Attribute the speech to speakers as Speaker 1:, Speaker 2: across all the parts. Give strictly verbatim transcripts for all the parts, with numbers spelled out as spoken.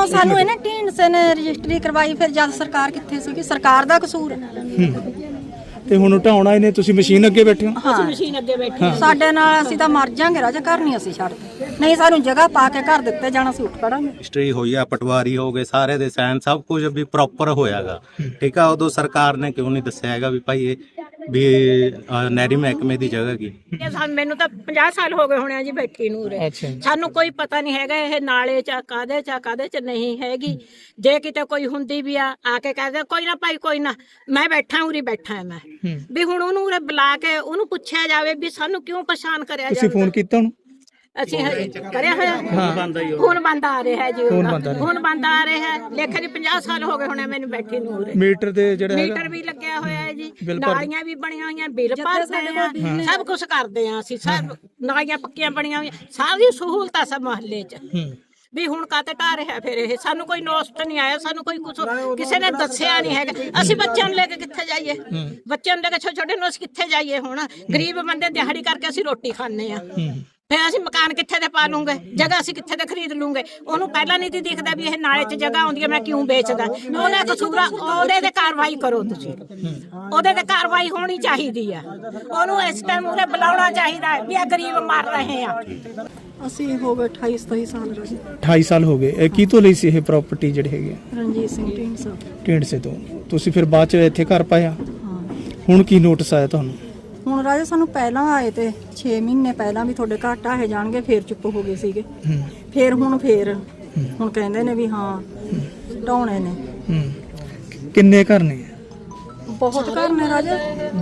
Speaker 1: ਜਦੋਂ ਸਾਨੂੰ ਇਹਨੇ ਢੀਂਡਸੇ ਨੇ ਰਜਿਸਟਰੀ ਕਰਵਾਈ ਫਿਰ ਜਦ ਸਰਕਾਰ ਕਿੱਥੇ ਸੀਗੀ? ਸਰਕਾਰ ਦਾ ਕਸੂਰ ਹੈ।
Speaker 2: ਤੇ ਹੁਣ ਢਾਉਣਾ ਇਹਨੇ, ਤੁਸੀਂ ਮਸ਼ੀਨ ਅੱਗੇ ਬੈਠੇ ਹੋ?
Speaker 1: ਅਸੀਂ ਮਸ਼ੀਨ ਅੱਗੇ ਬੈਠੇ ਸਾਡੇ ਨਾਲ ਅਸੀਂ ਤਾਂ ਮਰ ਜਾਾਂਗੇ ਰਾਜਾ, ਘਰ ਨਹੀਂ ਅਸੀਂ ਛੱਡਦੇ। ਨਹੀਂ ਸਾਨੂੰ ਜਗ੍ਹਾ ਪਾ ਕੇ ਘਰ ਦਿੱਤੇ ਜਾਣਾ, ਅਸੀਂ ਉੱਠ ਖੜਾਂਗੇ।
Speaker 3: ਰਜਿਸਟਰੀ ਹੋਈ ਆ, ਪਟਵਾਰੀ ਹੋ ਗਏ, ਸਾਰੇ ਦੇ ਸਾਈਨ ਸਭ ਕੁਝ ਵੀ ਪ੍ਰੋਪਰ ਹੋਇਆਗਾ। ਠੀਕ ਆ, ਉਦੋਂ ਸਰਕਾਰ ਨੇ ਕਿਉਂ ਨਹੀਂ ਦੱਸਿਆ ਹੈਗਾ ਵੀ ਭਾਈ ਇਹ ਵੀ ਨਹਿਰੀ ਮਹਿਕਮੇ ਦੀ ਜਗ੍ਹਾ ਕੀ?
Speaker 4: ਮੈਨੂੰ ਤਾਂ ਪੰਜਾਹ ਸਾਲ ਹੋ ਗਏ ਹੋਣੇ ਆ ਜੀ ਬੈਠੀ ਨੂੰ ਉਰੇ। ਸਾਨੂੰ ਕੋਈ ਪਤਾ ਨਹੀਂ ਹੈਗਾ ਇਹ ਨਾਲੇ ਚ ਕਾਦੇ ਚ ਕਾਦੇ ਚ ਨਹੀਂ ਹੈਗੀ। ਜੇ ਕਿਤੇ ਕੋਈ ਹੁੰਦੀ ਵੀ ਆ ਆ ਕੇ ਕਹਦੇ ਕੋਈ ਨਾ ਭਾਈ ਕੋਈ ਨਾ, ਮੈਂ ਬੈਠਾ ਉਰੀ ਬੈਠਾ ਮੈਂ ਵੀ ਹੁਣ ਉਹਨੂੰ ਉਰੇ ਬੁਲਾ ਕੇ ਉਹਨੂੰ ਪੁੱਛਿਆ ਜਾਵੇ ਵੀ ਸਾਨੂੰ ਕਿਉਂ ਪਛਾਣ ਕਰਿਆ ਜਾਵੇ।
Speaker 2: ਤੁਸੀਂ ਫੋਨ ਕੀਤਾ ਉਹਨੂੰ?
Speaker 4: ਅਸੀਂ ਕਰਿਆ ਹੋਇਆ ਹੁਣ ਬੰਦ ਆ ਰਿਹਾ ਜੀ, ਹੁਣ ਬੰਦ ਆ ਰਿਹਾ ਹੈ। ਲੇਖੇ ਦੀ ਪੰਜਾਹ ਸਾਲ ਹੋ ਗਏ ਹੋਣੇ ਮੈਨੂੰ ਬੈਠੀ ਨੂੰ ਉਰੇ।
Speaker 2: ਮੀਟਰ ਦੇ ਜਿਹੜਾ
Speaker 4: ਮੀਟਰ ਵੀ ਲੱਗਿਆ ਹੋਇਆ ਹੈ ਜੀ, ਨਾਲੀਆਂ ਵੀ ਬਣੀਆਂ ਹੋਈਆਂ, ਬਿੱਲ ਭਰਦੇ ਆ, ਸਭ ਕੁਝ ਕਰਦੇ ਆ ਅਸੀਂ। ਸਭ ਨਾਲੀਆਂ ਪੱਕੀਆਂ ਬਣੀਆਂ ਹੋਈਆਂ, ਸਾਰੀ ਸਹੂਲਤਾਂ ਸਭ ਮੁਹੱਲੇ 'ਚ। ਵੀ ਹੁਣ ਕਾਤੇ ਢਾ ਰਿਹਾ ਫਿਰ ਇਹ? ਸਾਨੂੰ ਕੋਈ ਨੋਸਟ ਨਹੀਂ ਆਇਆ, ਸਾਨੂੰ ਕੋਈ ਕੁਝ ਕਿਸੇ ਨੇ ਦੱਸਿਆ ਨਹੀਂ ਹੈਗਾ। ਅਸੀਂ ਬੱਚਿਆਂ ਨੂੰ ਲੈ ਕੇ ਕਿੱਥੇ ਜਾਈਏ? ਬੱਚਿਆਂ ਨੂੰ ਲੈ ਕੇ ਛੋਟੇ ਛੋਟੇ ਨੂੰ ਅਸੀਂ ਕਿੱਥੇ ਜਾਈਏ? ਹੁਣ ਗਰੀਬ ਬੰਦੇ ਦਿਹਾੜੀ ਕਰਕੇ ਅਸੀਂ ਰੋਟੀ ਖਾਂਦੇ ਆ, ਫਿਰ ਅਸੀਂ ਮਕਾਨ ਕਿੱਥੇ ਦੇ ਪਾ ਲੂੰਗੇ? ਜਗ੍ਹਾ ਅਸੀਂ ਕਿੱਥੇ ਦੇ ਖਰੀਦ ਲੂੰਗੇ? ਉਹਨੂੰ ਪਹਿਲਾਂ ਨਹੀਂ ਦਿਖਦਾ ਵੀ ਇਹ ਨਾਲੇ 'ਚ ਜਗ੍ਹਾ ਆਉਂਦੀ ਹੈ, ਮੈਂ ਕਿਉਂ ਵੇਚਦਾ? ਉਹਨੇ ਕਸੂਰਾ, ਉਹਦੇ ਤੇ ਕਾਰਵਾਈ ਕਰੋ ਤੁਸੀਂ, ਉਹਦੇ ਤੇ ਕਾਰਵਾਈ ਹੋਣੀ ਚਾਹੀਦੀ ਆ। ਉਹਨੂੰ ਇਸ ਟਾਈਮ ਉਹਨੇ ਬੁਲਾਉਣਾ ਚਾਹੀਦਾ ਵੀ ਇਹ ਗਰੀਬ ਮਰ ਰਹੇ ਆ।
Speaker 1: ਅਸੀਂ ਹੋ ਗਏ ਅਠਾਈ ਸਤਾਈ ਸਾਲ ਰਾਜਾ।
Speaker 2: ਅਠਾਈ ਸਾਲ ਹੋ ਗਏ। ਇਹ ਕੀ ਤੋਂ ਲਈ ਸੀ ਇਹ ਪ੍ਰਾਪਰਟੀ ਜਿਹੜੀ ਹੈਗੀ ਆ?
Speaker 1: ਰਣਜੀਤ ਸਿੰਘ ਢੀਂਡਸਾ।
Speaker 2: ਢੀਂਡਸੇ ਤੋਂ। ਤੁਸੀਂ ਫਿਰ ਬਾਅਦ ਚ ਇੱਥੇ ਘਰ ਪਾਇਆ? ਹੁਣ ਕੀ ਨੋਟਿਸ ਆਇਆ ਤੁਹਾਨੂੰ?
Speaker 1: ਹੁਣ ਰਾਜਾ ਸਾਨੂੰ ਪਹਿਲਾਂ ਆਏ ਤੇ ਛੇ ਮਹੀਨੇ ਪਹਿਲਾਂ ਵੀ ਤੁਹਾਡੇ ਘਰ ਢਾਹੇ ਜਾਣਗੇ, ਫੇਰ ਚੁੱਪ ਹੋ ਗਏ ਸੀਗੇ। ਫੇਰ ਹੁਣ ਫੇਰ ਹੁਣ ਕਹਿੰਦੇ ਨੇ ਵੀ ਹਾਂ ਢਾਉਣੇ ਨੇ।
Speaker 2: ਕਿੰਨੇ ਘਰ ਨੇ?
Speaker 1: ਬਹੁਤ ਘਰ ਨੇ ਰਾਜਾ,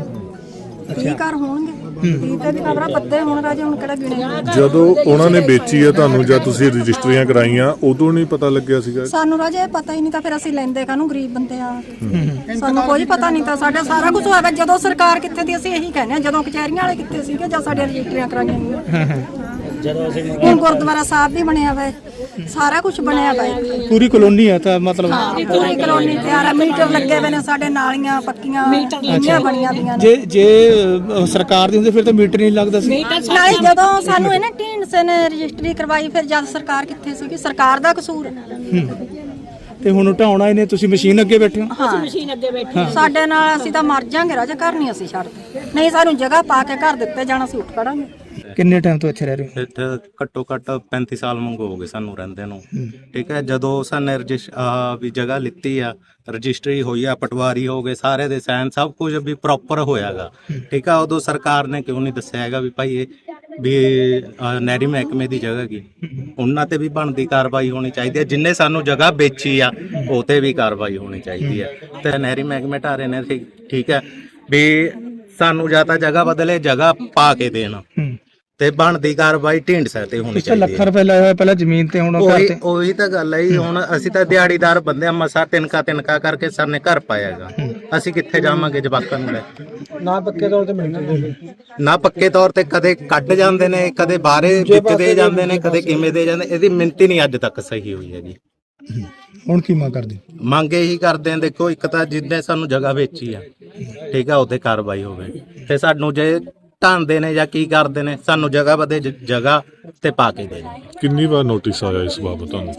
Speaker 1: ਕੀ ਘਰ ਹੋਣਗੇ? ਕੀ ਤੇ ਵੀ ਖਬਰਾਂ ਪੱਤੇ ਹੁਣ ਰਾਜਾ, ਹੁਣ ਕਿਹੜਾ ਗਿਣੇ?
Speaker 5: ਜਦੋਂ ਉਹਨਾਂ ਨੇ ਵੇਚੀ ਹੈ ਤੁਹਾਨੂੰ ਜਾਂ ਤੁਸੀਂ ਰਜਿਸਟਰੀਆਂ ਕਰਾਈਆਂ ਉਦੋਂ ਨਹੀਂ ਪਤਾ ਲੱਗਿਆ ਸੀਗਾ?
Speaker 1: ਸਾਨੂੰ ਰਾਜਾ ਇਹ ਪਤਾ ਹੀ ਨਹੀਂ ਤਾਂ ਫਿਰ ਅਸੀਂ ਲੈਂਦੇ ਕਾਹਨੂੰ, ਗਰੀਬ ਬੰਦੇ ਆ। ਸਾਨੂੰ ਕੋਈ ਪਤਾ ਨਹੀਂ ਤਾਂ, ਸਾਡਾ ਸਾਰਾ ਕੁਝ ਹੋਇਆ ਜਦੋਂ ਸਰਕਾਰ ਕਿੱਥੇ ਦੀ, ਅਸੀਂ ਇਹੀ ਕਹਿੰਦੇ ਆ ਜਦੋਂ ਕਚਹਿਰੀਆਂ ਵਾਲੇ ਕਿੱਥੇ ਸੀਗੇ ਜਾਂ ਸਾਡੇ ਰਜਿਸਟਰੀਆਂ ਕਰਾਈਆਂ ਜਦੋਂ ਅਸੀਂ। ਹੁਣ ਗੁਰਦੁਆਰਾ ਸਾਹਿਬ ਵੀ ਬਣਿਆ ਵਾ, ਸਾਰਾ ਕੁਝ ਬਣਿਆ ਵਾ,
Speaker 2: ਪੂਰੀ ਕਲੋਨੀ ਆ ਤਾਂ ਮਤਲਬ
Speaker 1: ਪੂਰੀ ਕਲੋਨੀ ਤਿਆਰ ਆ। ਮੀਟਰ ਲੱਗੇ ਹੋਏ ਨੇ ਸਾਡੇ, ਨਾਲੀਆਂ ਪੱਕੀਆਂ ਇੰਨੀਆਂ ਬਣੀਆਂ ਦੀਆਂ ਨੇ।
Speaker 2: ਜੇ ਜੇ ਸਰਕਾਰ ਦੀ ਹੁੰਦੀ ਫਿਰ ਤਾਂ ਮੀਟਰ ਨਹੀਂ ਲੱਗਦਾ ਸੀ।
Speaker 1: ਨਾਲੇ ਜਦੋਂ ਸਾਨੂੰ ਇਹਨੇ ਢੀਂਡਸੇ ਨੇ ਰਜਿਸਟਰੀ ਕਰਵਾਈ ਫਿਰ ਜਦ ਸਰਕਾਰ ਕਿੱਥੇ ਸੀਗੀ? ਸਰਕਾਰ ਦਾ ਕਸੂਰ ਹੈ।
Speaker 2: ਤੇ ਹੁਣ ਢਾਉਣਾ ਇਹਨੇ, ਤੁਸੀਂ ਮਸ਼ੀਨ ਅੱਗੇ ਬੈਠੇ ਹੋ?
Speaker 4: ਅਸੀਂ ਮਸ਼ੀਨ ਅੱਗੇ ਬੈਠੇ
Speaker 1: ਸਾਡੇ ਨਾਲ ਅਸੀਂ ਤਾਂ ਮਰ ਜਾਾਂਗੇ ਰਾਜਾ, ਘਰ ਨਹੀਂ ਅਸੀਂ ਛੱਡਦੇ। ਨਹੀਂ ਸਾਨੂੰ ਜਗ੍ਹਾ ਪਾ ਕੇ ਘਰ ਦਿੱਤੇ ਜਾਣਾ, ਅਸੀਂ ਉੱਠ ਖੜਾਂਗੇ।
Speaker 2: ਕਿੰਨੇ ਟਾਈਮ ਤੋਂ ਇੱਥੇ ਰਹਿ ਰਹੇ ਹੋ?
Speaker 3: ਇੱਥੇ ਘੱਟੋ ਘੱਟ ਪੈਂਤੀ ਸਾਲ ਮੰਗੋ ਹੋ ਗਏ ਸਾਨੂੰ ਰਹਿੰਦੇ ਨੂੰ। ਠੀਕ ਹੈ, ਜਦੋਂ ਸਾਨੇ ਰਜਿਸ ਵੀ ਜਗ੍ਹਾ ਲਿੱਤੀ ਆ, ਰਜਿਸਟਰੀ ਹੋਈ ਆ, ਪਟਵਾਰੀ ਹੋ ਗਏ, ਸਾਰੇ ਦੇ ਸਾਈਨ ਸਭ ਕੁਝ ਵੀ ਪ੍ਰੋਪਰ ਹੋਇਆਗਾ। ਠੀਕ ਆ, ਉਦੋਂ ਸਰਕਾਰ ਨੇ ਕਿਉਂ ਨਹੀਂ ਦੱਸਿਆ ਹੈਗਾ ਵੀ ਭਾਈ ਇਹ ਵੀ ਨਹਿਰੀ ਮਹਿਕਮੇ ਦੀ ਜਗ੍ਹਾ ਕੀ? ਉਹਨਾਂ ਤੇ ਵੀ ਬਣਦੀ ਕਾਰਵਾਈ ਹੋਣੀ ਚਾਹੀਦੀ ਹੈ। ਜਿੰਨੇ ਸਾਨੂੰ ਜਗ੍ਹਾ ਵੇਚੀ ਆ ਉਹ ਤੇ ਵੀ ਕਾਰਵਾਈ ਹੋਣੀ ਚਾਹੀਦੀ ਹੈ। ਤੇ ਨਹਿਰੀ ਮਹਿਕਮੇ ਢਾਰੇ ਨੇ ਠੀਕ ਹੈ ਵੀ ਸਾਨੂੰ ਜਾਂ ਤਾਂ ਜਗ੍ਹਾ ਬਦਲੇ, ਜਗ੍ਹਾ ਪਾ ਕੇ ਦੇਣ ਤੇ ਬਣਦੀ ਕਾਰਵਾਈ ਢੀਂਡਸੇ ਤੇ ਹੋਣੀ ਚਾਹੀਦੀ ਹੈ।
Speaker 2: ਲੱਖ ਰੁਪਏ ਲਾਇਆ ਹੋਇਆ ਪਹਿਲਾਂ ਜ਼ਮੀਨ ਤੇ, ਹੁਣ
Speaker 3: ਉਹੀ ਉਹੀ ਤਾਂ ਗੱਲ ਹੈ। ਹੁਣ ਅਸੀਂ ਤਾਂ ਦਿਹਾੜੀਦਾਰ ਬੰਦੇ ਆ, ਮਸਾ ਤਿੰਨਕਾ ਤਿੰਨਕਾ ਕਰਕੇ ਸਰ ਨੇ ਘਰ ਪਾਇਆਗਾ। ਅਸੀਂ ਕਿੱਥੇ ਜਾਵਾਂਗੇ ਜਵਾਕਾਂ ਨੂੰ ਲੈ?
Speaker 2: ਨਾ ਪੱਕੇ ਤੌਰ ਤੇ ਮਿਲਦੇ,
Speaker 3: ਨਾ ਪੱਕੇ ਤੌਰ ਤੇ ਕਦੇ ਕੱਢ ਜਾਂਦੇ ਨੇ, ਕਦੇ ਬਾਹਰੇ ਵਿੱਚ ਦੇ ਜਾਂਦੇ ਨੇ, ਕਦੇ ਕਿਵੇਂ ਦੇ ਜਾਂਦੇ। ਇਹਦੀ ਮਿੰਤੀ ਨਹੀਂ ਅੱਜ ਤੱਕ ਸਹੀ ਹੋਈ ਹੈ ਜੀ।
Speaker 2: ਹੁਣ ਕੀ ਮੰਗ ਕਰਦੇ?
Speaker 3: ਮੰਗ ਇਹੀ ਕਰਦੇ ਆ, ਦੇਖੋ ਇੱਕ ਤਾਂ ਜਿੱਦਾਂ ਸਾਨੂੰ ਜਗ੍ਹਾ ਵੇਚੀ ਆ, ਠੀਕ ਆ, ਉਹਤੇ ਕਾਰਵਾਈ ਹੋਵੇ। ਤੇ ਸਾਨੂੰ ਜੇ ਢਾਂਦੇ ਨੇ ਜਾਂ ਕੀ ਕਰਦੇ ਨੇ, ਸਾਨੂੰ ਜਗ੍ਹਾ ਬਦੇ ਜਗ੍ਹਾ ਤੇ ਪਾ ਕੇ ਦੇ।
Speaker 5: ਕਿੰਨੀ ਵਾਰ ਨੋਟਿਸ ਆਇਆ ਇਸ ਬਾਬਤ ਤੁਹਾਨੂੰ?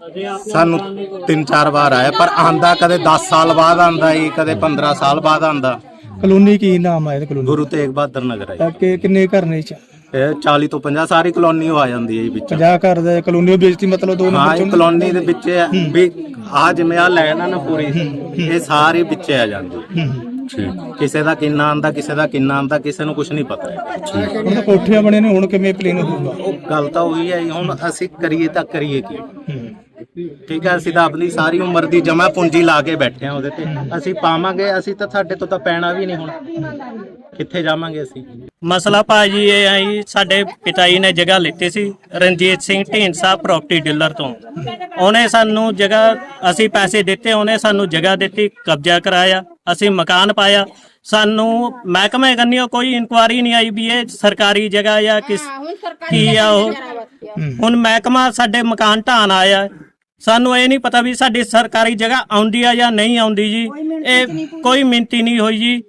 Speaker 3: ਸਾਨੂੰ ਤਿੰਨ ਚਾਰ ਵਾਰ ਆਇਆ, ਪਰ ਆਂਦਾ ਕਦੇ ਦਸ ਸਾਲ ਬਾਅਦ ਆਂਦਾ ਜੀ, ਕਦੇ ਪੰਦਰਾਂ ਸਾਲ ਬਾਅਦ ਆਂਦਾ।
Speaker 2: ਕਲੋਨੀ ਕੀ ਨਾਮ ਹੈ? ਕਲੋਨੀ
Speaker 3: ਗੁਰੂ ਤੇਗ ਬਹਾਦਰ ਨਗਰ ਹੈ।
Speaker 2: ਕਿ ਕਿੰਨੇ ਘਰ ਨੇ?
Speaker 3: ਇਹ ਚਾਲੀ ਤੋਂ ਪੰਜਾਹ ਸਾਰੀ ਕਲੋਨੀ ਆ ਜਾਂਦੀ ਹੈ ਜੀ ਵਿੱਚ।
Speaker 2: ਪੰਜਾਹ ਘਰ ਦਾ ਕਲੋਨੀ ਵੇਚਤੀ ਮਤਲਬ ਦੋ
Speaker 3: ਹਾਂ, ਇਹ ਕਲੋਨੀ ਦੇ ਵਿੱਚ ਵੀ ਆ ਜਿਵੇਂ ਆ ਲੈਣ ਆ ਨਾ ਪੂਰੀ, ਇਹ ਸਾਰੀ ਵਿੱਚ ਆ ਜਾਂਦੀ। ਕਿਸੇ ਦਾ ਕਿੰਨਾ ਆਂਦਾ, ਕਿਸੇ ਦਾ ਕਿੰਨਾ ਆਂਦਾ, ਕਿਸੇ ਨੂੰ ਕੁਝ ਨਹੀਂ ਪਤਾ ਹੈ।
Speaker 2: ਹੁਣ ਤਾਂ ਕੋਠੀਆਂ ਬਣੇ ਨੇ, ਹੁਣ ਕਿਵੇਂ ਪਲੇਨ ਹੋਊਗਾ?
Speaker 3: ਉਹ ਗੱਲ ਤਾਂ ਉਹੀ ਹੈ। ਹੁਣ ਅਸੀਂ ਕਰੀਏ ਤਾਂ ਕਰੀਏ ਕੀ? ਠੀਕ ਹੈ, ਅਸੀਂ ਤਾਂ ਆਪਣੀ ਸਾਰੀ ਉਮਰ ਦੀ ਜਮਾ ਪੂੰਜੀ ਲਾ ਕੇ ਬੈਠੇ ਆ ਉਹਦੇ ਤੇ। ਅਸੀਂ ਪਾਵਾਂਗੇ, ਅਸੀਂ ਤਾਂ ਸਾਡੇ ਤੋਂ ਤਾਂ ਪੈਣਾ ਵੀ ਨਹੀਂ। ਹੁਣ ਕਿੱਥੇ ਜਾਵਾਂਗੇ ਅਸੀਂ?
Speaker 6: ਮਸਲਾ ਭਾਜੀ ਇਹ ਆ ਜੀ, ਸਾਡੇ ਪਿਤਾ ਜੀ ਨੇ ਜਗ੍ਹਾ ਲਿੱਤੀ ਸੀ ਰਣਜੀਤ ਸਿੰਘ ਢੀਂਡਸਾ ਪ੍ਰਾਪਰਟੀ ਡੀਲਰ ਤੋਂ। ਉਹਨੇ ਸਾਨੂੰ ਜਗ੍ਹਾ, ਅਸੀਂ ਪੈਸੇ ਦਿੱਤੇ, ਉਹਨੇ ਸਾਨੂੰ ਜਗ੍ਹਾ ਦਿੱਤੀ, ਕਬਜ਼ਾ ਕਰਾਇਆ, ਅਸੀਂ ਮਕਾਨ ਪਾਇਆ। ਸਾਨੂੰ ਮਹਿਕਮੇ ਕੰਨਿਓ ਕੋਈ ਇਨਕੁਆਰੀ ਨਹੀਂ ਆਈ ਵੀ ਇਹ ਸਰਕਾਰੀ ਜਗ੍ਹਾ ਜਾਂ ਕਿਸ ਕੀ ਆ ਉਹ। ਹੁਣ ਮਹਿਕਮਾ ਸਾਡੇ ਮਕਾਨ ਢਾਣ ਆਇਆ, ਸਾਨੂੰ ਇਹ ਨਹੀਂ ਪਤਾ ਵੀ ਸਾਡੀ ਸਰਕਾਰੀ ਜਗ੍ਹਾ ਆਉਂਦੀ ਆ ਜਾਂ ਨਹੀਂ ਆਉਂਦੀ ਜੀ। ਇਹ ਕੋਈ ਮਿੰਤੀ ਨਹੀਂ ਹੋਈ ਜੀ।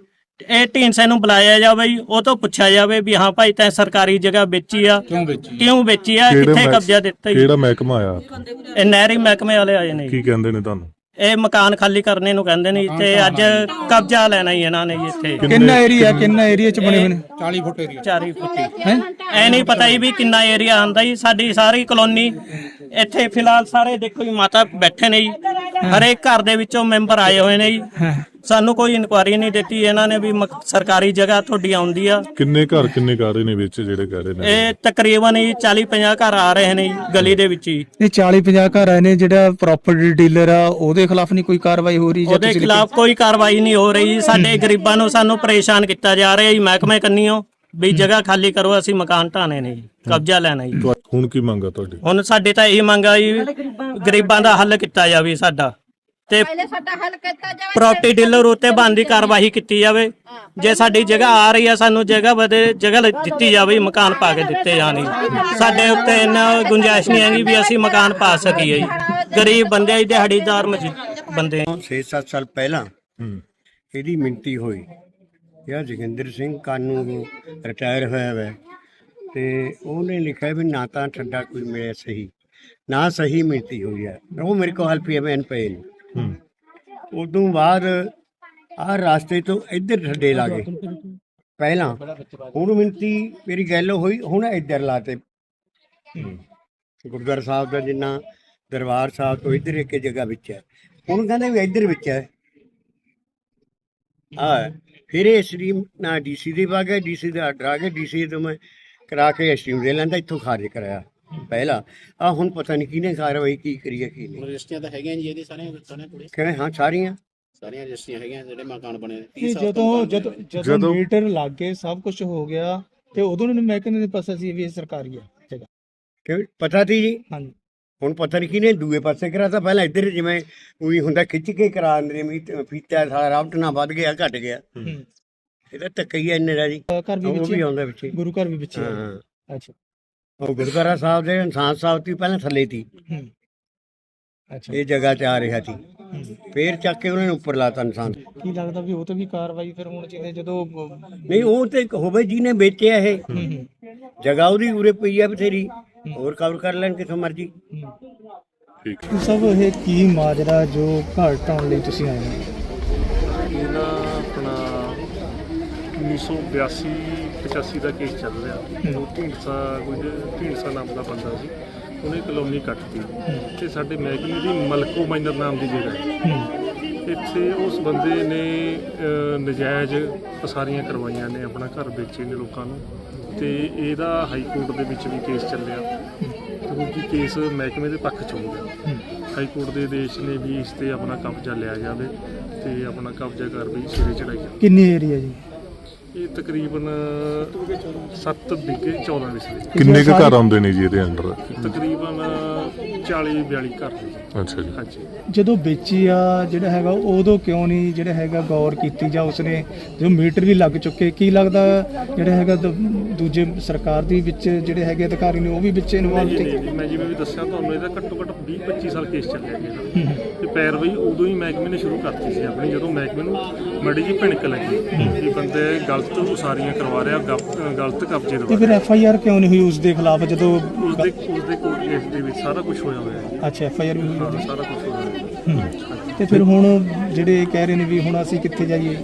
Speaker 6: ਇਹ ਢੀਂਡਸੇ ਨੂੰ ਬੁਲਾਇਆ ਜਾਵੇ ਜੀ, ਉਹ ਤੋਂ ਪੁੱਛਿਆ ਜਾਵੇ ਵੀ ਹਾਂ ਭਾਈ ਤੈਂ ਸਰਕਾਰੀ ਜਗ੍ਹਾ ਵੇਚੀ ਆ, ਕਿਉਂ ਵੇਚੀ ਕਿਉਂ ਵੇਚੀ ਆ,
Speaker 5: ਕਿਹੜੇ
Speaker 6: ਕਿੱਥੇ
Speaker 5: ਮਹਿ-
Speaker 6: ਕਬਜ਼ਾ ਦਿੱਤਾ ਜੀ।
Speaker 5: ਕਿਹੜਾ ਮਹਿਕਮਾ ਆਇਆ
Speaker 6: ਇਹ ਨਹਿਰੀ ਮਹਿਕਮੇ ਵਾਲੇ ਆਏ ਨੇ ਜੀ।
Speaker 5: ਕੀ ਕਹਿੰਦੇ ਨੇ ਤੁਹਾਨੂੰ?
Speaker 6: ਇਹ ਮਕਾਨ ਖਾਲੀ ਕਰਨੇ ਨੂੰ ਕਹਿੰਦੇ ਨੇ ਤੇ ਅੱਜ ਕਬਜ਼ਾ ਲੈਣਾ ਹੀ ਇਹਨਾਂ ਨੇ ਜੀ ਇੱਥੇ।
Speaker 2: ਕਿੰਨਾ ਏਰੀਆ ਕਿੰਨਾ ਏਰੀਆ ਚ ਬਣੇ ਹੋਏ ਨੇ?
Speaker 6: ਚਾਲੀ ਫੁੱਟੀ ਐ ਨਹੀਂ ਪਤਾ ਜੀ ਵੀ ਕਿੰਨਾ ਏਰੀਆ ਆਂਦਾ ਜੀ। ਸਾਡੀ ਸਾਰੀ ਕਲੋਨੀ ਇੱਥੇ ਫਿਲਹਾਲ ਸਾਰੇ ਦੇਖੋ ਜੀ ਮਾਤਾ ਬੈਠੇ ਨੇ ਜੀ, ਹਰੇਕ ਘਰ ਦੇ ਵਿੱਚੋਂ ਮੈਂਬਰ ਆਏ ਹੋਏ ਨੇ ਜੀ। ਸਾਨੂੰ ਕੋਈ ਇਨਕੁਆਰੀ ਨਹੀਂ ਦਿੱਤੀ ਇਹਨਾਂ ਨੇ ਵੀ ਮਕ- ਸਰਕਾਰੀ ਜਗ੍ਹਾ ਤੁਹਾਡੀ ਆਉਂਦੀ ਆ।
Speaker 5: ਕਿੰਨੇ ਘਰ ਕਿੰਨੇ ਘਰ ਨੇ ਵਿੱਚ ਜਿਹੜੇ ਕਹਿ ਰਹੇ ਨੇ?
Speaker 6: ਇਹ ਤਕਰੀਬਨ ਜੀ ਚਾਲੀ ਪੰਜਾਹ ਘਰ ਆ ਰਹੇ ਨੇ ਜੀ ਗਲੀ ਦੇ ਵਿੱਚ ਹੀ।
Speaker 2: ਇਹ ਚਾਲੀ ਪੰਜਾਹ ਘਰ ਆਏ ਨੇ। ਜਿਹੜਾ ਪ੍ਰਾਪਰਟੀ ਡੀਲਰ ਆ ਉਹਦੇ ਖਿਲਾਫ ਨਹੀਂ ਕੋਈ ਕਾਰਵਾਈ ਹੋ ਰਹੀ? ਜਾਂ
Speaker 6: ਉਹਦੇ
Speaker 2: ਤੁਸੀਂ
Speaker 6: ਖਿਲਾਫ ਕੋਈ ਕਾਰਵਾਈ ਨਹੀਂ ਹੋ ਰਹੀ। ਸਾਡੇ ਗਰੀਬਾਂ ਨੂੰ ਸਾਨੂੰ ਪਰੇਸ਼ਾਨ ਕੀਤਾ ਜਾ ਰਿਹਾ ਜੀ ਮਹਿਕਮੇ ਕੰਨੀਓ ਵੀ ਜਗ੍ਹਾ ਖਾਲੀ ਕਰੋ, ਅਸੀਂ ਮਕਾਨ ਢਾਣੇ ਨੇ ਜੀ, ਕਬਜ਼ਾ ਲੈਣਾ ਜੀ।
Speaker 5: ਤੁਹਾ- ਹੁਣ ਕੀ ਮੰਗਾ ਤੁਹਾਡੀ?
Speaker 6: ਹੁਣ ਸਾਡੇ ਤਾਂ ਇਹ ਮੰਗ ਆ ਜੀ ਗਰੀਬਾਂ ਦਾ ਹੱਲ ਕੀਤਾ ਜਾਵੇ ਸਾਡਾ, ਤੇ ਪ੍ਰਾਪਰਟੀ ਡੀਲਰ ਉੱਤੇ ਬਣਦੀ ਕਾਰਵਾਈ ਕੀਤੀ ਜਾਵੇ। ਜੇ ਸਾਡੀ ਜਗ੍ਹਾ ਆ ਰਹੀ ਆ ਸਾਨੂੰ ਜਗ੍ਹਾ ਵਧੇ ਜਗ੍ਹਾ ਦਿੱਤੀ ਜਾਵੇ, ਮਕਾਨ ਪਾ ਕੇ ਦਿੱਤੇ ਜਾਣ ਜੀ। ਸਾਡੇ ਉੱਤੇ ਇੰਨਾ ਗੁੰਜਾਇਸ਼ ਨਹੀਂ ਹੈਗੀ ਵੀ ਅਸੀਂ ਮਕਾਨ ਪਾ ਸਕੀਏ ਜੀ। ਗਰੀਬ ਬੰਦੇ ਆ ਜੀ, ਦਿਹਾੜੀਦਾਰ ਮਜ਼ਦੂਰ ਬੰਦੇ ਆ।
Speaker 7: ਛੇ ਸੱਤ ਸਾਲ ਪਹਿਲਾਂ
Speaker 5: ਹੂੰ
Speaker 7: ਇਹਦੀ ਮਿਣਤੀ ਹੋਈ। ਇਹ ਜੋਗਿੰਦਰ ਸਿੰਘ ਕਾਨੂੰ ਰਿਟਾਇਰ ਹੋਇਆ ਹੈ ਤੇ ਉਹਨੇ ਲਿਖਿਆ ਵੀ ਨਾ ਤਾਂ ਠੰਡਾ ਕੋਈ ਮਿਲਿਆ ਸਹੀ, ਨਾ ਸਹੀ ਮਿਣਤੀ ਹੋਈ ਹੈ। ਉਹ ਮੇਰੇ ਕੋਲ ਹਲਫੀ ਐਮ ਪਏ ਨੇ।
Speaker 5: ਹੂੰ
Speaker 7: ਉਦੋਂ ਬਾਅਦ ਆਹ ਰਾਸਤੇ ਤੋਂ ਇੱਧਰ ਠੱਡੇ ਲਾ ਗਏ ਪਹਿਲਾਂ। ਹੁਣ ਮਿਣਤੀ ਮੇਰੀ ਗੱਲ ਹੋਈ, ਹੁਣ ਇੱਧਰ ਲਾਤੇ। ਗੁਰਦੁਆਰਾ ਸਾਹਿਬ ਦਾ ਜਿੰਨਾ ਦਰਬਾਰ ਸਾਹਿਬ ਤੋਂ ਇੱਧਰ ਇੱਕ ਜਗ੍ਹਾ ਵਿੱਚ ਹੈ, ਹੁਣ ਕਹਿੰਦੇ ਵੀ ਇੱਧਰ ਵਿੱਚ ਹੈ। ਆ ਫਿਰ ਇਹ ਸਟ੍ਰੀਮ ਨਾ ਡੀਸੀ ਦੇ ਪਾ ਗਿਆ, ਡੀਸੀ ਦਾ ਆਰਡਰ ਆ ਗਿਆ, ਡੀਸੀ ਤੋਂ ਮੈਂ ਕਰਾ ਕੇ ਸਟ੍ਰੀਮ ਦੇ ਲੈਂਦਾ, ਇੱਥੋਂ ਖਾਰਜ ਕਰਾਇਆ ਪਹਿਲਾਂ। ਆ ਹੁਣ ਪਤਾ ਨਹੀਂ ਕਿਹਨੇ ਕਾਰਵਾਈ ਕੀ ਕਰੀ ਹੈ ਕੀ ਨਹੀਂ।
Speaker 8: ਰਜਿਸਟਰੀਆਂ ਤਾਂ ਹੈਗੀਆਂ ਜੀ ਇਹਦੀ ਸਾਰੀਆਂ ਸਾਰੀਆਂ ਕੋਲੇ
Speaker 7: ਕਹਿੰਦੇ ਹਾਂ ਸਾਰੀਆਂ
Speaker 8: ਸਾਰੀਆਂ ਰਜਿਸਟਰੀਆਂ ਹੈਗੀਆਂ ਜਿਹੜੇ ਮਕਾਨ ਬਣੇ ਨੇ।
Speaker 2: ਇਹ ਜਦੋਂ ਜਦੋਂ ਜਦੋਂ ਮੀਟਰ ਲੱਗ ਗਏ ਸਭ ਕੁਝ ਹੋ ਗਿਆ ਤੇ ਉਦੋਂ ਨੂੰ ਮਹਿਕਮੇ ਦੇ ਪਾਸੇ ਸੀ ਵੀ ਇਹ ਸਰਕਾਰੀ ਆ ਜਗ੍ਹਾ?
Speaker 7: ਕਿ ਪਤਾ ਸੀ ਜੀ।
Speaker 2: ਹਾਂਜੀ।
Speaker 7: ਹੁਣ ਪਤਾ ਨਹੀਂ ਕਿਹਨੇ ਦੂਏ ਪਾਸੇ ਕਰਾਤਾ। ਪਹਿਲਾਂ ਇੱਧਰ ਜਿਵੇਂ ਉਹੀ ਹੁੰਦਾ ਖਿੱਚ ਕੇ ਕਰਾ ਦਿੰਦੇ ਨੇ, ਫੀਤਾ ਸਾਰਾ ਰਾਵਟ ਨਾ ਵੱਧ ਗਿਆ ਘਟ ਗਿਆ। ਇਹਦਾ ਧੱਕਾ ਹੀ ਇੰਨੇ ਦਾ ਜੀ।
Speaker 2: ਘਰ ਵੀ
Speaker 7: ਉਹ
Speaker 2: ਵਿੱਚ
Speaker 7: ਵੀ ਆਉਂਦਾ ਵਿੱਚ।
Speaker 2: ਗੁਰੂ ਘਰ ਵੀ ਵਿੱਚ
Speaker 7: ਹਾਂ
Speaker 2: ਅੱਛਾ।
Speaker 7: ਉਹ ਗੁਰਦੁਆਰਾ ਸਾਹਿਬ ਦੇ ਇਨਸਾਨ ਸਾਹਿਬ ਤੋਂ ਪਹਿਲਾਂ ਥੱਲੇ ਸੀ,
Speaker 2: ਅੱਛਾ।
Speaker 7: ਇਹ ਜਗ੍ਹਾ ਤੇ ਆ ਰਿਹਾ ਸੀ, ਫੇਰ ਚੱਕ ਕੇ ਉਹਨਾਂ ਨੇ ਉੱਪਰ ਲਾਤਾ ਇਨਸਾਨ।
Speaker 2: ਕੀ ਲੱਗਦਾ ਵੀ ਉਹ ਤੇ ਵੀ ਕਾਰਵਾਈ ਫਿਰ ਹੁਣ ਚਾਹੀਦੀ ਜਦੋਂ?
Speaker 7: ਨਹੀਂ ਉਹ ਤੇ ਹੋਵੇ ਜਿਹਨੇ ਵੇਚਿਆ ਇਹ ਜਗ੍ਹਾ, ਉਹਦੀ ਉਰੇ ਪਈ ਆ ਬਥੇਰੀ, ਹੋਰ ਕਵਰ ਕਰ ਲੈਣ ਕਿਥੋਂ ਮਰਜੀ।
Speaker 5: ਠੀਕ
Speaker 2: ਸਭ ਇਹ ਕੀ ਮਾਜਰਾ ਜੋ ਘਰ ਢਾਉਣ ਲਈ ਤੁਸੀਂ ਆਏ ਹੋ?
Speaker 9: ਇਹ ਨਾ ਆਪਣਾ ਉੱਨੀ ਸੌ ਬਿਆਸੀ ਪਚਾਸੀ ਦਾ ਕੇਸ ਚੱਲ ਰਿਹਾ। ਉਹ ਢੀਂਡਸਾ ਕੁਝ ਢੀਂਡਸਾ ਨਾਮ ਦਾ ਬੰਦਾ ਸੀ, ਉਹਨੇ ਕਲੋਨੀ ਕੱਟਤੀ ਤੇ ਸਾਡੇ ਮਹਿਕਮੇ ਦੀ ਮਲਕੋ ਮਾਈਨਰ ਨਾਮ ਦੀ ਜਗ੍ਹਾ ਹੈ। ਇੱਥੇ ਉਸ ਬੰਦੇ ਨੇ ਅ, ਨਜਾਇਜ਼ ਪਸਾਰੀਆਂ ਕਰਵਾਈਆਂ ਨੇ, ਆਪਣਾ ਘਰ ਵੇਚੇ ਨੇ ਲੋਕਾਂ ਨੂੰ, ਤੇ ਇਹਦਾ ਹਾਈ ਕੋਰਟ ਦੇ ਵਿੱਚ ਵੀ ਕੇਸ ਚੱਲਿਆ ਕਿਉਂਕਿ ਕੇਸ ਮਹਿਕਮੇ ਦੇ ਪੱਖ 'ਚ ਹੋ ਗਿਆ। ਹਾਈ ਕੋਰਟ ਦੇ ਆਦੇਸ਼ ਨੇ ਵੀ ਇਸ ਤੇ ਆਪਣਾ ਕਬਜ਼ਾ ਲਿਆ ਜਾਵੇ ਤੇ ਆਪਣਾ ਕਬਜ਼ਾ ਕਰ ਵੀ ਸਿਰੇ ਚੜਾਈ ਜਾਵੇ।
Speaker 2: ਕਿੰਨੀ ਏਰੀਆ ਜੀ?
Speaker 9: ਇਹ ਤਕਰੀਬਨ ਸੱਤ ਵਿਗੇ ਚੌਦਾਂ ਵਿਸਲੇ,
Speaker 5: ਕਿੰਨੇ ਕੁ ਘਰ ਆਉਂਦੇ ਨੇ ਜੀ ਇਹਦੇ ਅੰਡਰ?
Speaker 9: ਤਕਰੀਬਨ ਚਾਲੀ ਬਿਆਲੀ ਘਰ ਨੇ ਜੀ।
Speaker 5: ਅੱਛਾ ਜੀ।
Speaker 9: ਹਾਂਜੀ।
Speaker 2: ਜਦੋਂ ਵੇਚੀ ਆ ਜਿਹੜਾ ਹੈਗਾ ਉਦੋਂ ਕਿਉਂ ਨਹੀਂ ਜਿਹੜਾ ਹੈਗਾ ਗੌਰ ਕੀਤੀ ਜਾਂ ਉਸਨੇ ਜੋ ਮੀਟਰ ਵੀ ਲੱਗ ਚੁੱਕੇ? ਕੀ ਲੱਗਦਾ ਜਿਹੜਾ ਹੈਗਾ ਦ- ਦੂਜੇ ਸਰਕਾਰ ਦੀ ਵਿੱਚ ਜਿਹੜੇ ਹੈਗੇ ਅਧਿਕਾਰੀ ਨੇ ਉਹ ਵੀ ਵਿੱਚ ਇਨਵੋਲਵ
Speaker 9: ਨਹੀਂ,
Speaker 2: ਤੇ?
Speaker 9: ਨਹੀਂ, ਨਹੀਂ, ਮੈਂ ਜਿਵੇਂ ਵੀ ਦੱਸਿਆ ਤੁਹਾਨੂੰ, ਇਹਦਾ ਘੱਟੋ ਘੱਟ ਵੀਹ ਪੱਚੀ ਸਾਲ ਕੇਸ ਚੱਲਿਆ ਜੀ ਇਹਦਾ। ਤੇ ਪੈਰਵਾਈ ਉਦੋਂ ਹੀ ਮਹਿਕਮੇ ਨੇ ਸ਼ੁਰੂ ਕਰਤੀ ਸੀ ਆਪਣੀ, ਜਦੋਂ ਮਹਿਕਮੇ ਨੂੰ ਮੜੀ ਜੀ ਭਿਣਕ ਲੱਗੀ ਵੀ ਬੰਦੇ ਗਲਤ ਉਸਾਰੀਆਂ ਕਰਵਾ ਰਿਹਾ, ਗਲਤ ਗਲਤ ਕਬਜ਼ੇ
Speaker 2: ਤੇ
Speaker 9: ਦਵਾ
Speaker 2: ਫਿਰ
Speaker 9: ਰਿਹਾ।
Speaker 2: ਐਫ ਆਈ ਆਰ ਕਿਉਂ ਨਹੀਂ ਹੋਈ ਉਸ ਦੇ ਖਿਲਾਫ ਜਦੋਂ?
Speaker 9: ਉਸਦੇ ਉਸਦੇ ਕੋਰਟ ਕੇਸ ਦੇ ਵਿੱਚ ਸਾਰਾ ਕੁਝ ਹੋਇਆ ਹੋਇਆ ਹੈ।
Speaker 2: ਅੱਛਾ, ਐਫ ਆਈ ਆਰ ਵੀ ਹੋਈ
Speaker 9: ਹਾਂ,
Speaker 2: ਉਹਦੀ।
Speaker 9: ਸਾਰਾ ਕੁਝ ਹੋਇਆ ਹੋਇਆ ਹੈ।
Speaker 2: ਤੇ ਫਿਰ ਹੁਣ ਜਿਹੜੇ ਕਹਿ ਰਹੇ ਨੇ ਵੀ ਹੁਣ ਅਸੀਂ ਕਿੱਥੇ ਜਾਈਏ?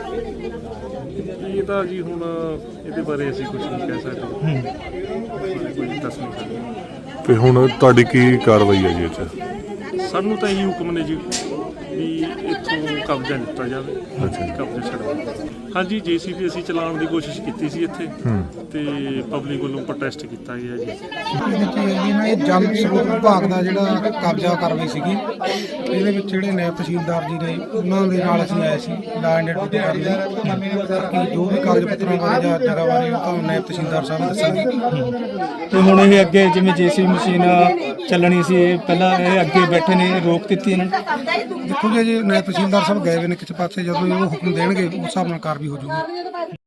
Speaker 9: ਇਹ ਤਾਂ ਜੀ ਹੁਣ ਇਹਦੇ ਬਾਰੇ ਅਸੀਂ ਕੁਝ ਨਹੀਂ ਕਹਿ ਸਕਦੇ, ਕੋਈ ਦੱਸ ਨਹੀਂ ਸਕਦੇ।
Speaker 5: ਤੇ ਹੁਣ ਤੁਹਾਡੀ ਕੀ ਕਾਰਵਾਈ ਹੈ ਜੀ ਇਹ 'ਚ?
Speaker 9: ਸਾਨੂੰ ਤਾਂ ਇਹੀ ਹੁਕਮ ਨੇ ਜੀ ਵੀ ਇੱਥੋਂ ਕਬਜ਼ਾ ਲਿੱਤਾ ਜਾਵੇ, ਕਬਜ਼ਾ ਛਡਵਾ। ਹਾਂਜੀ, ਜੇਸੀਬੀ ਅਸੀਂ ਚਲਾਉਣ ਦੀ ਕੋਸ਼ਿਸ਼ ਕੀਤੀ ਸੀ ਇੱਥੇ, ਤੇ ਪਬਲਿਕ ਵੱਲੋਂ ਪ੍ਰੋਟੈਸਟ ਕੀਤਾ ਗਿਆ ਜੀ।
Speaker 10: ਇਹਦੇ 'ਚ ਇਹ ਨਾ ਇਹ ਜਲ ਸਰੋਤ ਵਿਭਾਗ ਦਾ ਜਿਹੜਾ ਕਬਜ਼ਾ ਕਾਰਵਾਈ ਸੀਗੀ, ਇਹਦੇ ਵਿੱਚ ਜਿਹੜੇ ਨਾਇਬ ਤਹਿਸੀਲਦਾਰ ਜੀ ਨੇ ਉਹਨਾਂ ਦੇ ਨਾਲ ਅਸੀਂ ਆਏ ਸੀ ਲਾ ਐਂਡ ਆਰਡਰ ਕਰਨ ਲਈ ਕਿ ਜੋ ਵੀ ਕਾਗਜ਼ ਪੱਤਰਾਂ ਬਾਰੇ ਜਾਂ ਜਗ੍ਹਾ ਬਾਰੇ ਉਹ ਤੁਹਾਨੂੰ ਨਾਇਬ ਤਹਿਸੀਲਦਾਰ ਸਾਹਿਬ ਦੱਸਣਗੇ।
Speaker 2: ਤੇ ਹੁਣ ਇਹ ਅੱਗੇ ਜਿਵੇਂ ਜੇਸੀਬੀ ਮਸ਼ੀਨ ਚੱਲਣੀ ਸੀ, ਇਹ ਪਹਿਲਾਂ ਇਹ ਅੱਗੇ ਬੈਠੇ ਨੇ, ਰੋਕ ਦਿੱਤੀ ਇਹਨਾਂ ਨੇ?
Speaker 10: ਦੇਖੋ ਜੀ, ਨਾਇਬ ਤਹਿਸੀਲਦਾਰ ਸਾਹਿਬ ਗਏ ਹੋਏ ਨੇ ਕਿਸੇ ਪਾਸੇ, ਜਦੋਂ ਇਹ ਉਹ ਹੁਕਮ ਦੇਣਗੇ ਉਸ ਹਿਸਾਬ ਨਾਲ ਕਾਰਵਾਈ ਹੋ ਜਾਊਗੀ।